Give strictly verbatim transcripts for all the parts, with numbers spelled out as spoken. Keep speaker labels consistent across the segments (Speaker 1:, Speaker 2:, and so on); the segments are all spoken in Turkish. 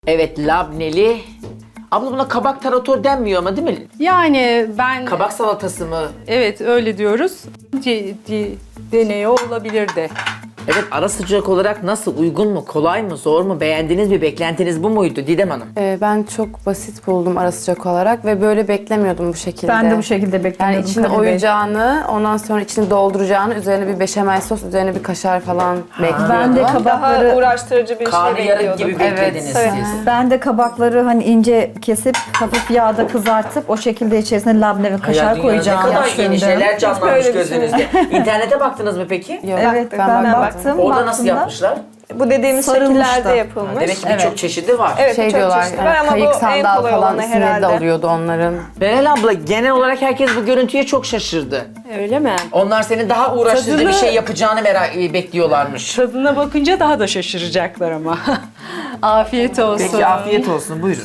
Speaker 1: Evet, labneli. Abla buna kabak tarator denmiyor ama değil mi?
Speaker 2: Yani ben
Speaker 1: Kabak salatası mı?
Speaker 2: evet öyle diyoruz. C- c- deneyi olabilir de.
Speaker 1: Evet, ara sıcak olarak nasıl? Uygun mu? Kolay mı? Zor mu? Beğendiniz mi? Beklentiniz bu muydu Didem Hanım?
Speaker 3: Ee, ben çok basit buldum ara sıcak olarak ve böyle beklemiyordum bu şekilde.
Speaker 4: Ben de bu şekilde
Speaker 3: Yani
Speaker 4: beklemiyordum.
Speaker 3: içini
Speaker 4: Kadir Bey.
Speaker 3: oyacağını, ondan sonra içini dolduracağını, üzerine bir beşamel sos, üzerine bir kaşar falan bekliyordum.
Speaker 4: Ben de
Speaker 5: Daha
Speaker 4: kabakları
Speaker 5: uğraştırıcı bir şey
Speaker 1: Karnıyarık gibi
Speaker 5: bekliyordum.
Speaker 1: beklediniz
Speaker 3: Evet,
Speaker 1: siz.
Speaker 4: ben de kabakları hani ince kesip hafif yağda kızartıp o şekilde içerisine labne ve
Speaker 1: Hayal
Speaker 4: kaşar
Speaker 1: dünyanızda
Speaker 4: koyacağımı
Speaker 1: ne kadar yeni
Speaker 4: düşündüm.
Speaker 1: şeyler canlanmış
Speaker 5: böyle
Speaker 1: gözünüzde. İnternete baktınız mı peki?
Speaker 3: Yok,
Speaker 4: Evet ben,
Speaker 3: ben
Speaker 4: baktım.
Speaker 1: Orada nasıl
Speaker 4: baktığımda
Speaker 1: yapmışlar?
Speaker 5: Bu dediğimiz
Speaker 4: Sarılmış
Speaker 5: şekillerde
Speaker 4: da.
Speaker 5: yapılmış.
Speaker 1: Demek ki birçok
Speaker 4: Evet.
Speaker 1: çeşidi var.
Speaker 5: Evet,
Speaker 3: şey
Speaker 5: çok
Speaker 3: diyorlar,
Speaker 5: çeşitli var
Speaker 3: yani
Speaker 5: ama
Speaker 3: kayık
Speaker 5: bu en
Speaker 3: sandal
Speaker 5: kolay
Speaker 3: falan
Speaker 5: olanı
Speaker 3: isimleri de
Speaker 5: herhalde.
Speaker 3: alıyordu onların.
Speaker 1: Meral abla, genel olarak herkes bu görüntüye çok şaşırdı.
Speaker 2: Öyle mi?
Speaker 1: Onlar senin daha uğraştırıcı
Speaker 2: Tadını-
Speaker 1: bir şey yapacağını merak bekliyorlarmış.
Speaker 2: Tadına bakınca daha da şaşıracaklar ama. Afiyet olsun.
Speaker 1: Peki, afiyet olsun. Buyurun.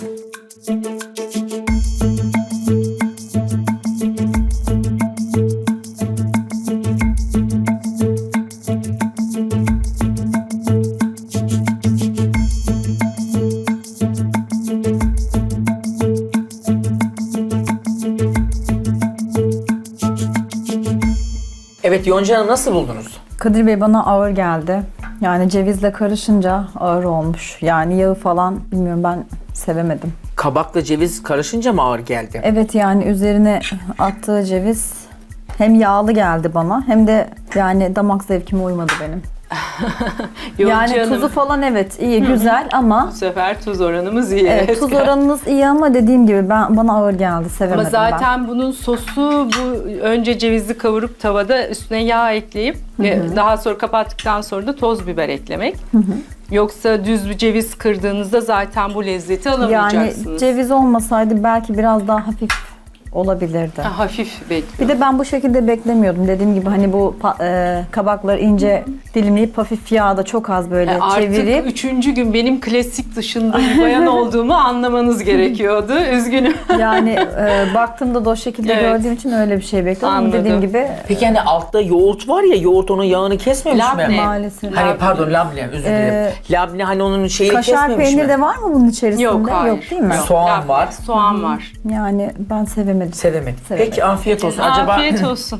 Speaker 1: Evet, Yonca Hanım, nasıl buldunuz?
Speaker 4: Kadir Bey bana ağır geldi. Yani cevizle karışınca ağır olmuş. Yani yağı falan bilmiyorum ben sevemedim.
Speaker 1: Kabakla ceviz karışınca mı ağır geldi?
Speaker 4: Evet yani üzerine attığı ceviz hem yağlı geldi bana hem de yani damak zevkime uymadı benim.
Speaker 2: Yonca
Speaker 4: Yani
Speaker 2: Hanım,
Speaker 4: tuzu falan evet iyi güzel ama
Speaker 2: bu sefer tuz oranımız iyi.
Speaker 4: evet, tuz oranınız iyi ama dediğim gibi ben bana ağır geldi
Speaker 2: Ama
Speaker 4: sevemedim
Speaker 2: zaten bunun sosu bu önce cevizi kavurup tavada üstüne yağ ekleyip ve daha sonra kapattıktan sonra da toz biber eklemek. Yoksa düz bir ceviz kırdığınızda zaten bu lezzeti
Speaker 4: ben. Yani
Speaker 2: alamayacaksınız.
Speaker 4: ceviz olmasaydı belki biraz daha hafif olabilirdi.
Speaker 2: Ha, hafif bekliyor.
Speaker 4: Bir de ben bu şekilde beklemiyordum. Dediğim gibi hani bu pa- e, kabakları ince dilimleyip hafif yağda çok az böyle
Speaker 2: E, Artık
Speaker 4: çevirip
Speaker 2: üçüncü gün benim klasik dışında bir bayan olduğumu anlamanız gerekiyordu. Üzgünüm.
Speaker 4: yani e, baktığımda da o şekilde
Speaker 2: Evet.
Speaker 4: gördüğüm için öyle bir şey bekliyordum. Ama
Speaker 2: Anladım.
Speaker 4: dediğim gibi
Speaker 1: Peki hani altta yoğurt var ya, yoğurt onun yağını kesmemiş
Speaker 2: Labne.
Speaker 1: mi?
Speaker 4: maalesef.
Speaker 1: Hani pardon, labne, özür dilerim.
Speaker 4: Ee,
Speaker 1: labne hani onun şeyi
Speaker 4: Kaşar
Speaker 1: kesmemiş
Speaker 4: peynir
Speaker 1: mi?
Speaker 4: de var mı bunun içerisinde?
Speaker 2: Yok hayır.
Speaker 4: değil mi?
Speaker 2: Yok.
Speaker 1: Soğan
Speaker 2: Labne,
Speaker 1: var.
Speaker 2: Soğan var.
Speaker 4: Yani ben sevemedim.
Speaker 1: Sevemedim.
Speaker 4: Sevemedim.
Speaker 1: Peki, afiyet olsun. Acaba
Speaker 2: Afiyet olsun.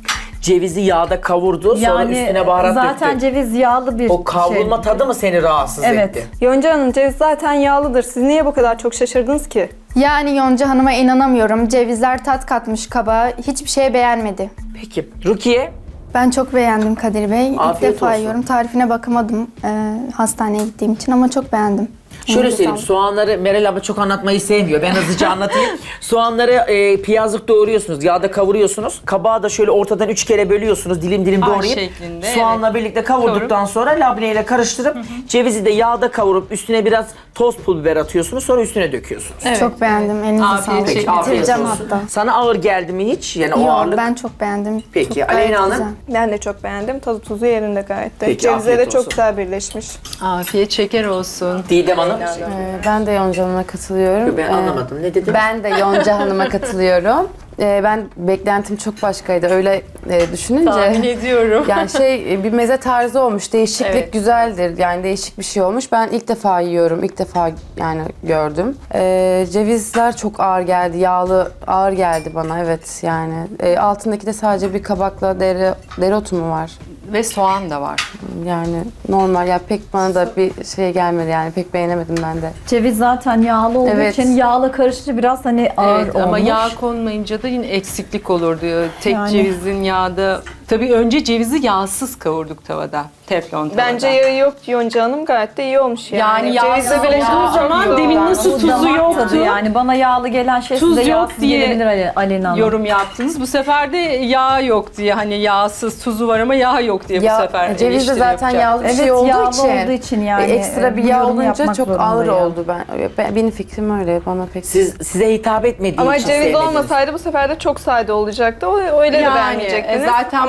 Speaker 1: cevizi yağda kavurdu, sonra
Speaker 4: Yani
Speaker 1: üstüne baharat
Speaker 4: zaten
Speaker 1: döktü.
Speaker 4: ceviz yağlı bir
Speaker 1: O kavrulma
Speaker 4: şey.
Speaker 1: tadı mı seni rahatsız
Speaker 4: Evet.
Speaker 1: etti?
Speaker 5: Yonca Hanım, ceviz zaten yağlıdır. Siz niye bu kadar çok şaşırdınız ki?
Speaker 6: Yani Yonca Hanım'a inanamıyorum. Cevizler tat katmış kabağa. Hiçbir şey beğenmedi.
Speaker 1: Peki, Rukiye?
Speaker 6: Ben çok beğendim Kadir Bey. İlk
Speaker 1: Afiyet
Speaker 6: defa
Speaker 1: olsun.
Speaker 6: yiyorum. Tarifine bakamadım e, hastaneye gittiğim için ama çok beğendim.
Speaker 1: Şöyle
Speaker 6: Elinize
Speaker 1: söyleyeyim,
Speaker 6: sağlık.
Speaker 1: soğanları Meral abla çok anlatmayı sevmiyor. Ben hızlıca anlatayım. Soğanları e, piyazlık doğruyorsunuz, yağda kavuruyorsunuz. Kabağı da şöyle ortadan üç kere bölüyorsunuz, dilim dilim
Speaker 2: Ay
Speaker 1: doğrayıp.
Speaker 2: şeklinde,
Speaker 1: Soğanla birlikte kavurduktan sonra labneyle karıştırıp cevizi de yağda kavurup üstüne biraz toz pul biber atıyorsunuz, sonra üstüne döküyorsunuz.
Speaker 2: Evet.
Speaker 6: Çok beğendim. Elinize
Speaker 2: Afiyet
Speaker 6: sağlık.
Speaker 2: olsun.
Speaker 1: Peki, afiyet
Speaker 6: Bitireceğim
Speaker 1: olsun.
Speaker 6: hatta.
Speaker 1: Sana ağır geldi mi hiç? Yani o
Speaker 6: Yok,
Speaker 1: ağırlık.
Speaker 6: ben çok beğendim.
Speaker 1: Peki,
Speaker 6: Çok gayet
Speaker 1: Aleyna Hanım?
Speaker 6: güzel.
Speaker 5: Ben de çok beğendim. Tadı tuzu yerinde gayet de.
Speaker 1: Peki,
Speaker 5: Cevizleri
Speaker 1: afiyet
Speaker 5: çok
Speaker 1: olsun.
Speaker 5: güzel birleşmiş.
Speaker 2: Afiyet şeker olsun.
Speaker 1: Didem Hanım.
Speaker 3: Ee, ben de Yonca Hanım'a katılıyorum.
Speaker 1: Ben
Speaker 3: Ee,
Speaker 1: anlamadım. Ne dedin?
Speaker 3: Ben de Yonca Hanım'a katılıyorum. Ee, ben beklentim çok başkaydı. Öyle e, düşününce.
Speaker 2: Tahmin ediyorum.
Speaker 3: Yani şey bir meze tarzı olmuş. Değişiklik
Speaker 2: Evet.
Speaker 3: güzeldir. Yani değişik bir şey olmuş. Ben ilk defa yiyorum. İlk defa yani gördüm. Ee, cevizler çok ağır geldi. Yağlı ağır geldi bana. Evet yani. Ee, altındaki de sadece bir kabakla dere, dereotu mu var?
Speaker 2: Ve soğan da var.
Speaker 3: Yani normal ya pek bana da bir şey gelmedi yani pek beğenemedim ben de.
Speaker 4: Ceviz zaten yağlı olduğu
Speaker 3: Evet.
Speaker 4: için yağla karışınca biraz hani ağır
Speaker 2: Evet,
Speaker 4: olmuş.
Speaker 2: ama yağ konmayınca da yine eksiklik olur diyor. Tek
Speaker 4: Yani.
Speaker 2: cevizin yağda... Tabii önce cevizi yağsız kavurduk tavada. Teflon tavada.
Speaker 5: Bence yağı yok Yonca Hanım. Gayet de iyi olmuş yani.
Speaker 2: Yani yağsız olduğu zaman demin nasıl
Speaker 4: Bu
Speaker 2: tuzu
Speaker 4: damak
Speaker 2: yoktu.
Speaker 4: tadı yani bana yağlı gelen şey
Speaker 2: Tuz
Speaker 4: size
Speaker 2: yok
Speaker 4: yağsız
Speaker 2: diye
Speaker 4: gelebilir Ali, Aleyna Hanım.
Speaker 2: yorum yaptınız. Bu sefer de yağ yok diye, hani yağsız tuzu var ama yağ yok diye bu
Speaker 3: Ya,
Speaker 2: sefer
Speaker 3: ceviz de
Speaker 2: eleştiri
Speaker 3: zaten
Speaker 2: yapacak.
Speaker 3: yağlı bir
Speaker 4: Evet,
Speaker 3: şey olduğu
Speaker 4: yağlı
Speaker 3: için,
Speaker 4: olduğu için yani,
Speaker 3: e, ekstra bir
Speaker 4: bu
Speaker 3: yağ
Speaker 4: yorumu
Speaker 3: olunca
Speaker 4: yapmak
Speaker 3: çok
Speaker 4: zorundayım.
Speaker 3: ağır oldu. Ben, ben benim fikrim öyle. Bana pek
Speaker 1: Siz, size hitap etmediği
Speaker 5: Ama
Speaker 1: için
Speaker 5: ceviz
Speaker 1: sevmediniz.
Speaker 5: olmasaydı bu sefer de çok sade olacaktı. O öyle de
Speaker 2: Yani,
Speaker 5: beğenmeyecektiniz.
Speaker 2: e, zaten
Speaker 5: Ama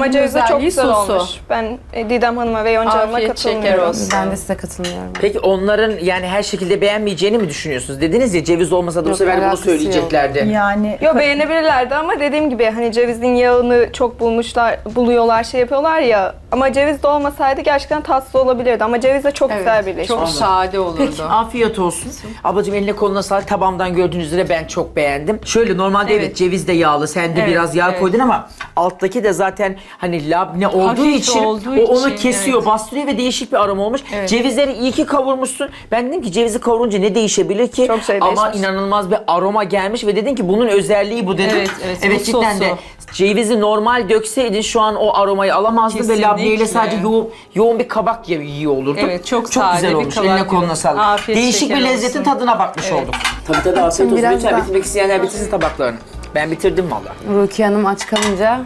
Speaker 5: Ama ceviz de çok
Speaker 2: özelliği
Speaker 5: güzel
Speaker 2: sosu.
Speaker 5: olmuş. Ben e, Didem Hanım'a ve Yonca Hanım'a
Speaker 2: Afiyet şeker
Speaker 5: katılmıyorum.
Speaker 2: olsun.
Speaker 3: Ben de size katılmıyorum.
Speaker 1: Peki onların yani her şekilde beğenmeyeceğini mi düşünüyorsunuz? Dediniz ya ceviz olmasa da bu
Speaker 3: Yok,
Speaker 1: sefer bunu
Speaker 3: alakası
Speaker 1: söyleyeceklerdi.
Speaker 4: Yani
Speaker 5: Yo beğenebilirlerdi ama dediğim gibi hani cevizin yağını çok bulmuşlar, buluyorlar, şey yapıyorlar ya. Ama ceviz de olmasaydı gerçekten tatsız olabilirdi. Ama ceviz de çok güzel birleşmiş.
Speaker 2: Çok sade olurdu.
Speaker 1: Peki afiyet olsun. Ablacığım eline koluna sağlık. Tabağımdan gördüğünüz üzere ben çok beğendim. Şöyle normalde evet,
Speaker 2: Evet.
Speaker 1: ceviz de yağlı. Sen de
Speaker 2: Evet,
Speaker 1: biraz yağ
Speaker 2: evet.
Speaker 1: koydun ama alttaki de zaten hani labne olduğu
Speaker 2: Hafif
Speaker 1: için
Speaker 2: olduğu
Speaker 1: o onu
Speaker 2: için,
Speaker 1: kesiyor,
Speaker 2: evet.
Speaker 1: bastırıyor ve değişik bir aroma olmuş.
Speaker 2: Evet.
Speaker 1: Cevizleri iyi ki kavurmuşsun. Ben dedim ki cevizi kavurunca ne değişebilir ki?
Speaker 5: Çok şey
Speaker 1: ama
Speaker 5: değişmiş.
Speaker 1: inanılmaz bir aroma gelmiş ve dedin ki bunun özelliği bu dedim.
Speaker 2: Evet, evet,
Speaker 1: evet
Speaker 2: o
Speaker 1: cidden
Speaker 2: sosu.
Speaker 1: de cevizi normal dökseydin şu an o aromayı alamazdın ve
Speaker 2: Kesinlikle.
Speaker 1: labneyle sadece yoğun, yoğun bir kabak yiyor, yiyor olurdun.
Speaker 2: Evet, çok
Speaker 1: çok
Speaker 2: sade
Speaker 1: güzel
Speaker 2: bir
Speaker 1: olmuş.
Speaker 2: kabak
Speaker 1: Eline koluna
Speaker 2: yiyor.
Speaker 1: sağlık.
Speaker 2: Afiyet
Speaker 1: Değişik bir
Speaker 2: şeker
Speaker 1: lezzetin
Speaker 2: olsun.
Speaker 1: tadına bakmış
Speaker 2: Evet.
Speaker 1: olduk. Tabii tabii afiyet olsun.
Speaker 3: Biraz
Speaker 1: Lütfen
Speaker 3: daha-
Speaker 1: bitirmek isteyenler bitirsin tabaklarını. Ben bitirdim valla.
Speaker 3: Rukiye Hanım aç kalınca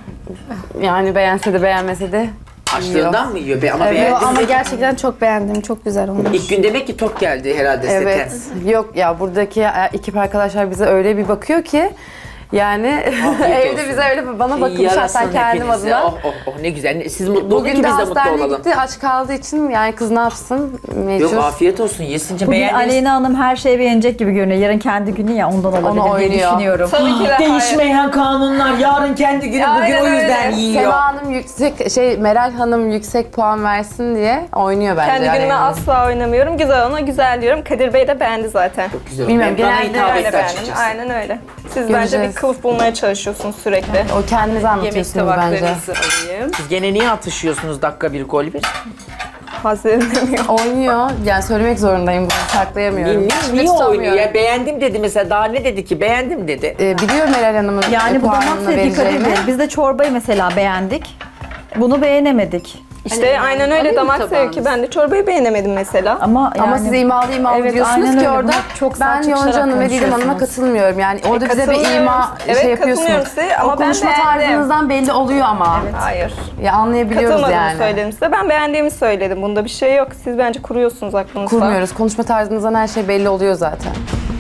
Speaker 3: yani beğense de beğenmese de
Speaker 1: Açlığından mı yiyor? Be? Ama
Speaker 3: Evet.
Speaker 1: beğendin
Speaker 6: Ama
Speaker 1: mi?
Speaker 6: gerçekten çok beğendim. Çok güzel olmuş.
Speaker 1: İlk gün demek ki tok geldi herhalde
Speaker 3: Evet.
Speaker 1: sete.
Speaker 3: Yok ya buradaki ekip arkadaşlar bize öyle bir bakıyor ki yani
Speaker 1: Afiyet
Speaker 3: evde
Speaker 1: olsun.
Speaker 3: bize öyle bana bakın
Speaker 1: Yarasın
Speaker 3: şahsen kendim
Speaker 1: hepinize.
Speaker 3: adına.
Speaker 1: Oh oh oh ne güzel. Siz mutlu olun ki
Speaker 3: Bugün
Speaker 1: biz
Speaker 3: de
Speaker 1: de mutlu
Speaker 3: hastaneye
Speaker 1: olalım.
Speaker 3: gitti aç kaldığı için yani kız ne yapsın mecbur.
Speaker 1: Yok afiyet olsun. Yesince
Speaker 4: bugün
Speaker 1: beğendiniz.
Speaker 4: Aleyna Hanım her şeyi beğenecek gibi görünüyor. Yarın kendi günü ya ondan olabilir diye
Speaker 3: oynuyor.
Speaker 4: düşünüyorum.
Speaker 5: Tabii ki de hayır.
Speaker 1: Değişmeyen kanunlar. Yarın kendi günü bugün
Speaker 5: Aynen
Speaker 1: o yüzden
Speaker 5: öyle.
Speaker 1: yiyor.
Speaker 3: Sema Hanım yüksek şey Meral Hanım yüksek puan versin diye oynuyor bence.
Speaker 5: Kendi
Speaker 3: yani.
Speaker 5: günüme asla oynamıyorum. Güzel ona güzel diyorum. Kadir Bey de beğendi zaten.
Speaker 1: Çok güzel.
Speaker 3: Bilmiyorum,
Speaker 1: Ben- bana
Speaker 3: genelde
Speaker 1: hitap
Speaker 5: Öyle
Speaker 1: etti
Speaker 5: beğendim.
Speaker 1: açıkçası.
Speaker 5: Aynen öyle. Siz bence
Speaker 3: Göreceğiz.
Speaker 5: bir kılıf bulmaya çalışıyorsunuz sürekli.
Speaker 3: O kendiniz
Speaker 2: Yemek
Speaker 3: anlatıyorsunuz bence.
Speaker 2: tabaklarınızı alayım.
Speaker 1: Siz gene niye atışıyorsunuz dakika bir gol bir?
Speaker 5: Hazırlanamıyorum.
Speaker 3: Oynuyor. Yani söylemek zorundayım bunu saklayamıyorum.
Speaker 1: Niye,
Speaker 3: Hiç
Speaker 1: niye
Speaker 3: tutamıyorum.
Speaker 1: oynuyor? Ya beğendim dedi mesela. Daha ne dedi ki? Beğendim dedi.
Speaker 3: Ee, biliyor Meral Hanım'ın
Speaker 4: Yani bu damak
Speaker 3: puanını
Speaker 4: zevki Kadir
Speaker 3: vereceğimi.
Speaker 4: Bey. Biz de çorbayı mesela beğendik. Bunu beğenemedik.
Speaker 5: İşte aynen öyle
Speaker 2: alayım mı
Speaker 5: damak
Speaker 2: tabağınızı?
Speaker 5: zevki. Ben de çorbayı beğenemedim mesela.
Speaker 4: Ama yani
Speaker 3: Ama siz imalı imalı
Speaker 4: Evet,
Speaker 3: diyorsunuz
Speaker 4: aynen
Speaker 3: ki
Speaker 4: öyle.
Speaker 3: orada
Speaker 4: Bunu çok
Speaker 3: ben
Speaker 4: sert
Speaker 3: Yonca
Speaker 4: çıkışarak
Speaker 3: Hanım ve Didem Hanım'a
Speaker 4: konuşuyorsunuz.
Speaker 3: katılmıyorum. Yani orada bize bir
Speaker 5: katılıyorum.
Speaker 3: ima
Speaker 5: Evet,
Speaker 3: şey
Speaker 5: katılıyorum
Speaker 3: yapıyorsunuz.
Speaker 5: size ama
Speaker 3: o
Speaker 5: ben
Speaker 3: konuşma
Speaker 5: beğendim.
Speaker 3: tarzınızdan belli oluyor ama.
Speaker 5: Hayır.
Speaker 3: Ya anlayabiliyoruz
Speaker 5: Katılmadığımı
Speaker 3: yani.
Speaker 5: söyledim size. Ben beğendiğimi söyledim. Bunda bir şey yok. Siz bence kuruyorsunuz aklınızda.
Speaker 3: Kurmuyoruz. Konuşma tarzınızdan her şey belli oluyor zaten.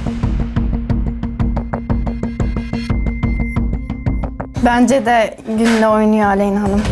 Speaker 6: Bence de günle oynuyor Aleyna Hanım.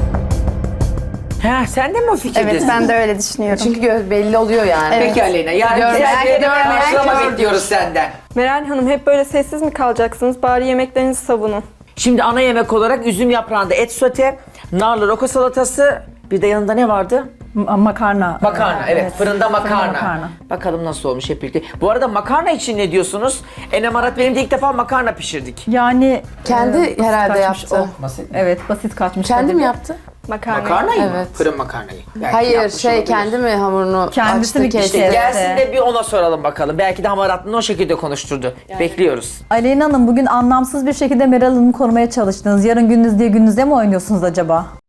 Speaker 1: Ha, sen de mi o fikirdesin?
Speaker 6: Evet ben de öyle düşünüyorum.
Speaker 3: Çünkü gö- belli oluyor yani.
Speaker 1: Peki Aleyna. Yarın
Speaker 3: Görmeyen
Speaker 1: güzel bir
Speaker 3: görmeyen
Speaker 1: karşılama
Speaker 3: gördü.
Speaker 1: bekliyoruz senden.
Speaker 5: Meral Hanım hep böyle sessiz mi kalacaksınız? Bari yemeklerinizi savunun.
Speaker 1: Şimdi ana yemek olarak üzüm yaprağında et sote, narlı roka salatası, bir de yanında ne vardı?
Speaker 4: Ma- makarna.
Speaker 1: Makarna, evet. Fırında makarna.
Speaker 4: makarna.
Speaker 1: Bakalım nasıl olmuş hep birlikte. Bu arada makarna için ne diyorsunuz? Enem Arat benim de ilk defa makarna pişirdik.
Speaker 4: Yani
Speaker 3: Kendi
Speaker 4: basit
Speaker 3: herhalde
Speaker 4: kaçmış
Speaker 3: yaptı.
Speaker 4: o.
Speaker 1: Basit.
Speaker 4: Evet basit kaçmış.
Speaker 3: Kendi
Speaker 4: Kadir
Speaker 3: mi
Speaker 4: Bey.
Speaker 3: yaptı?
Speaker 5: Makarna.
Speaker 1: Makarnayı mı?
Speaker 3: Evet.
Speaker 1: Fırın makarnayı. Belki
Speaker 3: Hayır
Speaker 1: yapmış
Speaker 3: şey
Speaker 1: olabilir.
Speaker 3: kendi mi hamurunu
Speaker 4: Kendisi
Speaker 3: açtı
Speaker 4: mi
Speaker 3: kesti?
Speaker 4: pişirdi?
Speaker 1: Gelsin de bir ona soralım bakalım. Belki de hamaratlığını o şekilde konuşturdu. Bekliyoruz.
Speaker 4: Aleyna Hanım bugün anlamsız bir şekilde Meral Hanım'ı korumaya çalıştınız. Yarın gününüz diye gününüzde mi oynuyorsunuz acaba?